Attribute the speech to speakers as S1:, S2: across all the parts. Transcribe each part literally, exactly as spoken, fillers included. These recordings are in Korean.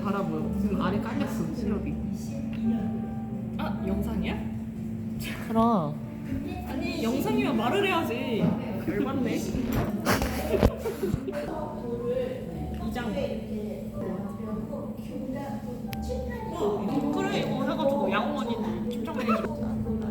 S1: 달아 보여. 지금 아래 깔렸어 시럽이. 아 영상이야?
S2: 그럼
S1: 아니 영상이면 말을 해야지. 열받네. 이장. 어, 그래 이거 해가지고 양원이들 김정민이.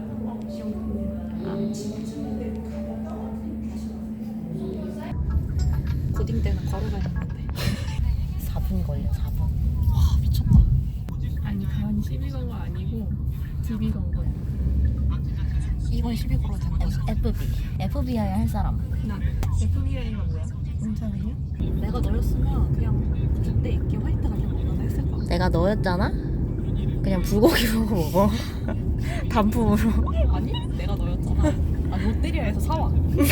S1: 고딩 때는 과로 다닌 건데.
S2: 사 분 걸려 사 분.
S1: 와 미쳤다. 아니 다현이 시비 건 거 아니고 디비 건 거야. 이번 시비 걸어도 된다.
S2: 에프비 에프비아이 할 사람.
S1: 나 에프비아이가 뭐야? 문자는요? 내가 너였으면 그냥 그때 있게 화이트 같은 거나 했을 거야.
S2: 내가 너였잖아? 그냥 불고기 먹어 먹어. 단품으로.
S1: 아니 내가 너였잖아. 아 롯데리아에서 사와.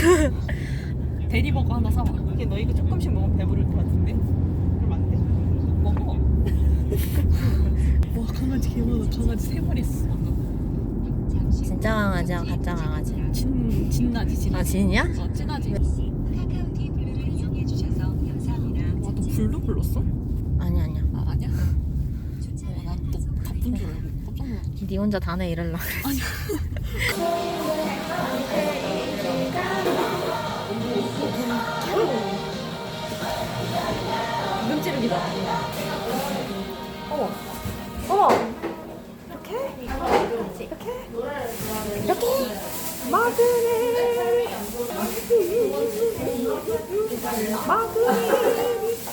S1: 대리버거 하나 사와. 이게 너 이거 조금씩 먹으면 배부를 것 같은데? 그럼 안 돼? 먹어. 와 강아지 개많아. 강아지 세 마리 있어.
S2: 진짜 강아지야 가짜 강아지.
S1: 진 진나지 진나지.
S2: 아 진이야?
S1: 어 진나지. 와너 불도 불렀어?
S2: 아니 아니야.
S1: 아 아니야? 어난또 바쁜 줄 알고 깜짝 놀랐어.
S2: 네 혼자 다 내 이럴라.
S1: 아니. 눈 찌르기다. 어머. 어머. 이렇게? 이렇게?
S2: 이렇게
S1: 마그네. 마그네.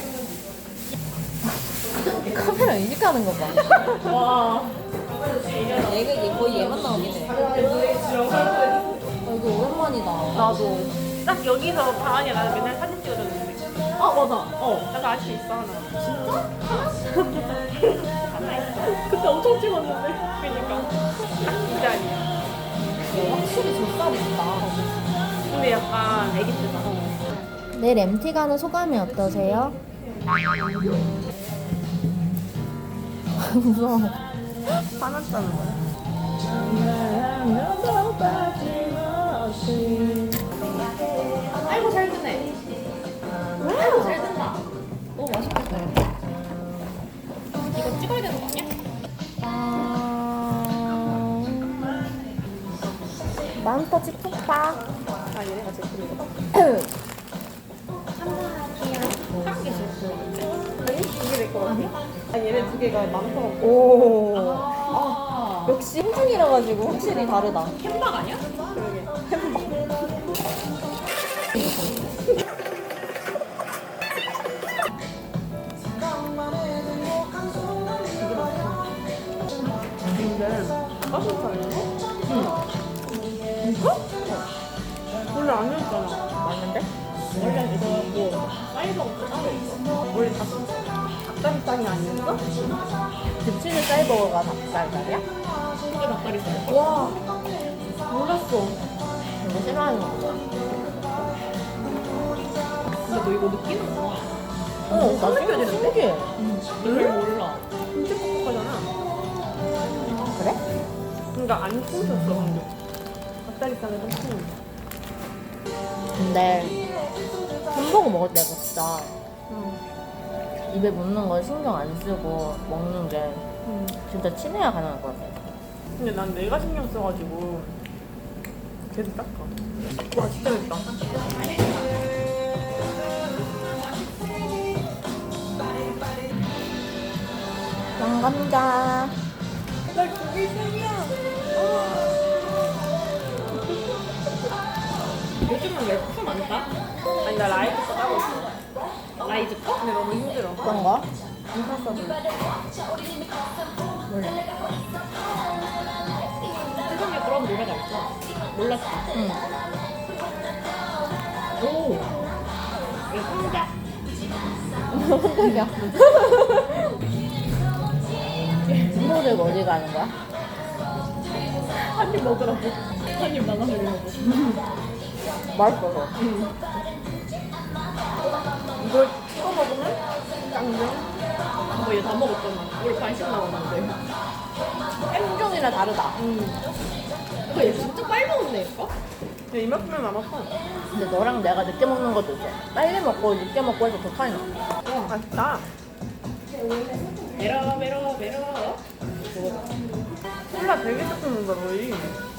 S2: 카메라 인식하는 거 봐.
S1: 와.
S2: 얘가 얘 거의 얘만 나오긴 해. 어, 이거 오랜만이다.
S1: 나도. 딱 여기서 다은이 나는 맨날 사진 찍어줬는데. 아 맞아. 어. 나도 알 수 있어 하나. 진짜? 하나 있어. 그때 엄청 찍었는데. 그니까. 딱이 자리야.
S2: 확실히 젖살이 있다.
S1: 근데 약간 애기 때다.
S2: 내일 엠티 가는 소감이 어떠세요? 무서워.
S1: 화났다는 거야. 아이고 잘 듣네. 아이고 잘 듣다. 너무 맛있겠다. 이거 찍어야 되는 거 아니야?
S2: 아... 맘터 찍겠다.
S1: 아 얘네가 제일 부르거든. 한 개씩. 이게 내 거 같아? 아 얘네 두 개가 많더라고.
S2: 오.
S1: 아,
S2: 역시 행중이라 가지고 확실히 다르다.
S1: 햄박 아니야? 그러게. 근데 닭가슴살인가? 응. 이거? 원래 아니었잖아.
S2: 맞는데?
S1: 원래 이거 뭐 사이버가 따로 있어. 원래 닭, 닭다리살이 아니었어?
S2: 급치는 쌀버거가 닭살살이야?
S1: 그게 닭다리살. 와 몰랐어.
S2: 이거 싫어하는 거야.
S1: 근데 너 이거 느끼는구나.
S2: 어, 나 신기해. 신기해.
S1: 응? 몰라. 진짜 뻑뻑하잖아.
S2: 그래?
S1: 그러니까 안 숨겼어 방금. 닭다리살은 좀 숨.
S2: 근데 햄버거 먹을 때가 진짜
S1: 응.
S2: 입에 묻는 거 신경 안 쓰고 먹는 게
S1: 응.
S2: 진짜 친해야 가능할 것 같아.
S1: 근데 난 내가 신경 써가지고 계속 닦아. 와 진짜 맵다.
S2: 양감자.
S1: 나 그게 생이야. 요즘은 웹프 많다? 아니 나 라이즈 거 따고 있어. 라이즈 거? 근데 너무 힘들어.
S2: 어떤 거?
S1: 인사 써줄.
S2: 몰라.
S1: 세상에 그런 노래가 있어. 몰랐어.
S2: 응.
S1: 오. 이거 상자.
S2: 깜짝이야. 친구들 어디 가는 거야?
S1: 한 입 먹으라고. 한 입 나눠 먹으라고.
S2: 맛있어서.
S1: 이걸 찍어 먹으면 짱정. 뭐 얘 다 먹었잖아. 우리 반씩 나왔는데.
S2: 행정이랑 다르다.
S1: 응. 이거 얘 진짜 빨리 먹었네 얘가? 얘 이만큼만 남았어.
S2: 근데 너랑 내가 늦게 먹는 것도 있어. 빨리 먹고 늦게 먹고 해서 더 차이 나.
S1: 어 맛있다. 메러 메러 메러. 콜라 되게 조금 먹는다 너희.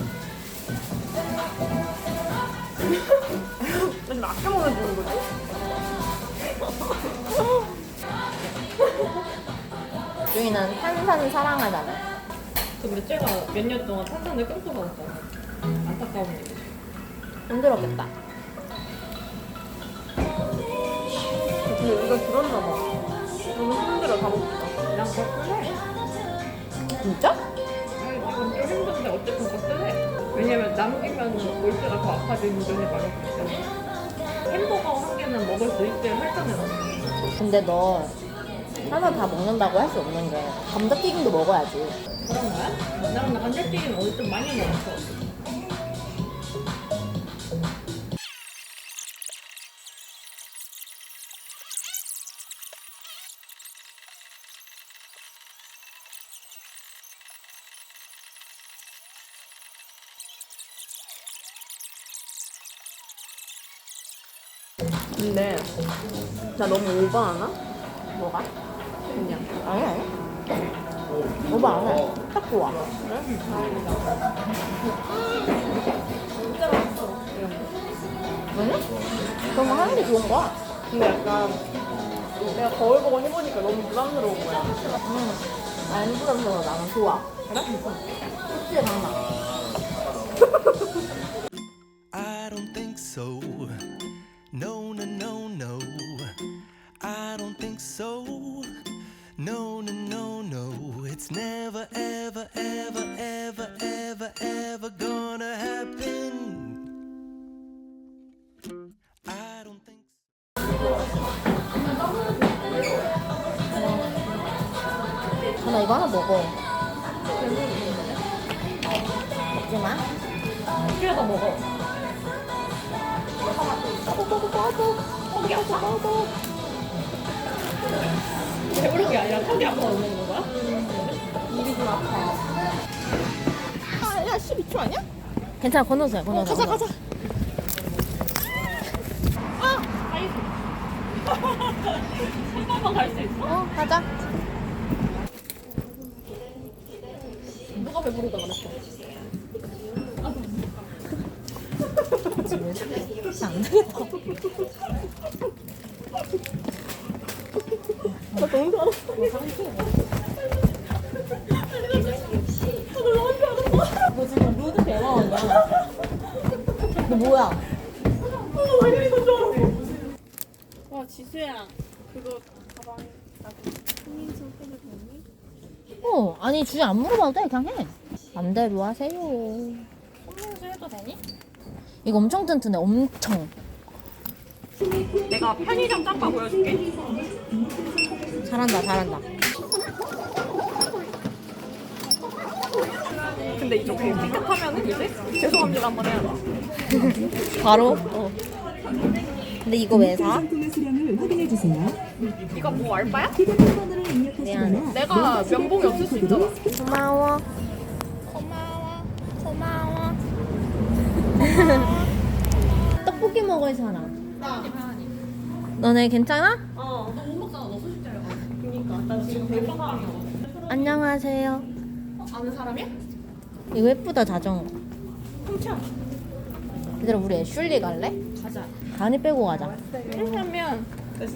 S1: 나 지금 아껴 먹어주는 거지?
S2: 주인은 탄산을 사랑하잖아.
S1: 근데 쟤가 몇 년 동안 탄산을 끊고 먹었잖아. 안타까운 일이지.
S2: 힘들었겠다.
S1: 근데 우리가 들었나 봐. 너무 힘들어 다 먹자. 그냥 걷을래?
S2: 진짜?
S1: 아니 지금 좀 힘든데 어쨌든 걷을래? 왜냐면 남기면 골프가 더 아파지는 점이 많았기 때문에. 햄버거 한 개는 먹을 수 있게 설정해놨어.
S2: 근데 너 하나 다 먹는다고 할 수 없는 게 감자튀김도 먹어야지.
S1: 그런 거야? 나는 감자튀김 오늘 좀 많이 먹었어. 근데 나 너무 오버하나?
S2: 뭐가?
S1: 그냥
S2: 아니 아니. 오버 안 해. 딱 좋아.
S1: 그래? 다행이다. 진짜 맛있어 이런 거.
S2: 아니? 그런 거 하는 게 좋은 거야.
S1: 근데 약간 내가 거울 보고 해보니까 너무 부담스러운 거야.
S2: 응. 안 부담스러워. 나는 좋아.
S1: 그래?
S2: 솔직히 강나.
S3: I don't think so. No, no, no, no. I don't think so. No, no, no, no. It's never, ever, ever, ever, ever, ever gonna happen. I don't think
S2: 나 이거 하나 먹어. 먹지 마.
S1: 필요하다 먹어. 턱이 아파. 배부른 게 아니라 턱이 아파서 먹는 거야?
S2: 입이 좀 아파. 아, 야, 십이 초 아니야? 괜찮아, 건너서 해, 건너서. 가자, 가자.
S1: 한 번만 갈 수 있어?
S2: 어, 가자.
S1: 누가 배부르다 그랬어?
S2: 진짜 안 되겠다.
S1: 나 너무 잘했어.
S2: 너 지금 루드 대화하냐? 너 뭐야?
S1: 왜 이런 줄 알았어? 와 지수야 그거 가방에 손민수 해도 되니?
S2: 어, 아니, 주제 안 물어봐도 돼, 그냥 해. 맘대로 하세요.
S1: 손민수 해도 되니?
S2: 이거 엄청 튼튼해, 엄청.
S1: 내가 편의점 짬바 보여줄게.
S2: 잘한다, 잘한다.
S1: 근데 이렇게 삐끗하면은 이제 죄송합니다 한번 해야 돼.
S2: 바로?
S1: 어.
S2: 근데 이거 왜 사?
S4: 상품의 수량을 확인해 주세요.
S1: 이거 뭐 알바야?
S4: 휴대폰 번호를
S2: 미안해.
S4: 입력하시거나
S1: 내가 면봉이 없을 수 있잖아.
S2: 고마워. 고마워. 고마워. 떡볶이 먹을 사람. 너네 괜찮아?
S1: 어, 너 못 먹잖아. 너 소식자야. 그니까 나 지금 배부른 사람이야.
S2: 안녕하세요.
S1: 어, 아는 사람이야?
S2: 이거 예쁘다, 자전거.
S1: 훔쳐.
S2: 얘들아, 우리 애슐리 갈래?
S1: 가자.
S2: 가은이 빼고 가자.
S1: 그러면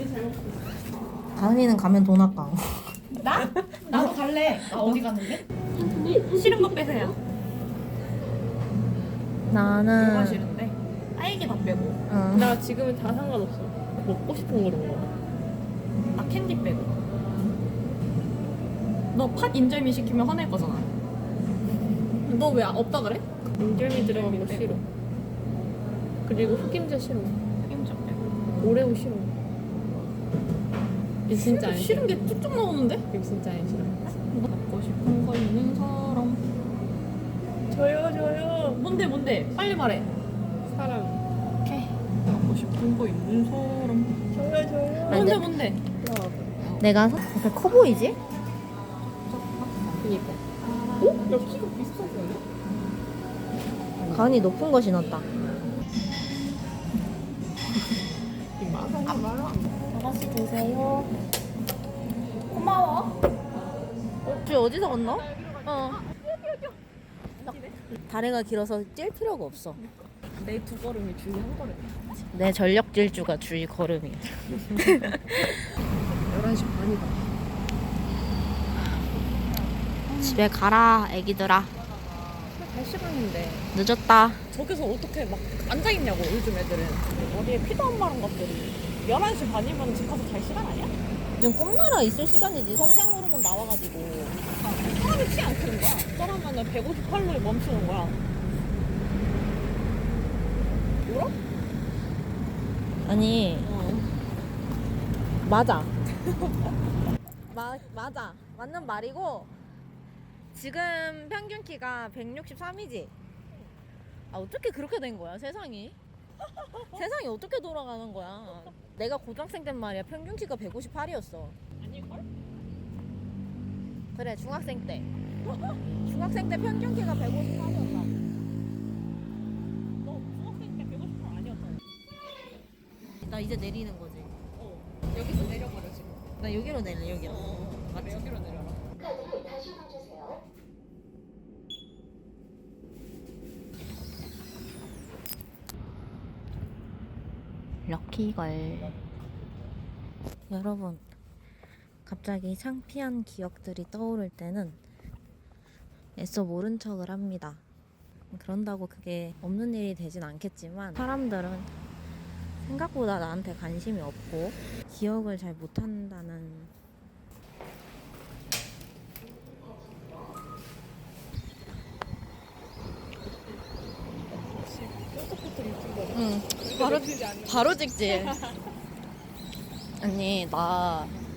S2: 가은이는 가면 돈 아까워.
S1: 나? 나도 갈래. 나 어디 갔는데? 싫은 거 빼세요. 뭐가
S2: 나는
S1: 싫은데? 딸기 다 빼고.
S2: 응.
S1: 나 지금은 다 상관없어. 먹고 싶은 거로 먹어. 나 캔디 빼고. 너 팥 인절미 시키면 화낼 거잖아. 너 왜 없다 그래? 인절미 들어간 거 싫어. 그리고 흑임자 싫어. 흑임자 빼고. 오레오 싫어. 이거 진짜 안 싫어. 싫은 게 쭉쭉 나오는데? 이거 진짜 안 싫어. 먹고 싶은 거 있는 사람. 저요 저요. 뭔데 뭔데? 빨리 말해. 사람. 오케이. 먹고 싶은 거 있는 사람. 저요 저요.
S2: 아니,
S1: 뭔데
S2: 내-
S1: 뭔데?
S2: 내가 사- 약간 커 보이지?
S1: 그니까. 어? 야 키가 비슷하지 않아?
S2: 가은이 높은 거 신었다.
S1: 말아 말아.
S2: 아가씨 드세요. 고마워. 어디서 건너? 어. 다리가 길어서 찔 필요가 없어.
S1: 내 두 걸음이 주위 한 걸음.
S2: 내 전력 질주가 주위 걸음이야.
S1: 열한 시 반이다.
S2: 집에 가라, 애기들아.
S1: 갈 시간인데.
S2: 늦었다.
S1: 저기서 어떻게 막 앉아있냐고, 요즘 애들은. 어디에 피도 안 마른 것들이. 열한 시 반이면 집 가서 잘 시간 아니야?
S2: 지금 꿈나라 있을 시간이지. 성장 호르몬 나와가지고.
S1: 사람이 치 않다는 거야. 저러면은 백오십팔로에 멈추는 거야. 뭐라?
S2: 아니,
S1: 어.
S2: 맞아. 마, 맞아. 맞는 말이고, 지금 평균 키가 백육십삼이지? 아, 어떻게 그렇게 된 거야, 세상이? 세상이 어떻게 돌아가는 거야? 내가 고등학생 땐 말이야, 평균 키가 백오십팔이었어.
S1: 아닐걸?
S2: 그래, 중학생 때. 중학생 때 평균 키가 백오십팔이었다.
S1: 너 중학생 때 백오십팔 아니었잖아.
S2: 나 이제 내리는 거지.
S1: 어. 여기서 내려버려, 지금.
S2: 나 여기로 내려, 여기로.
S1: 어.
S2: 맞지?
S1: 여기로 내려라.
S2: 럭키걸. 여러분, 갑자기 창피한 기억들이 떠오를 때는 애써 모른 척을 합니다. 그런다고 그게 없는 일이 되진 않겠지만, 사람들은 생각보다 나한테 관심이 없고 기억을 잘 못한다는 응, 바로 바로 찍지. 아니, 나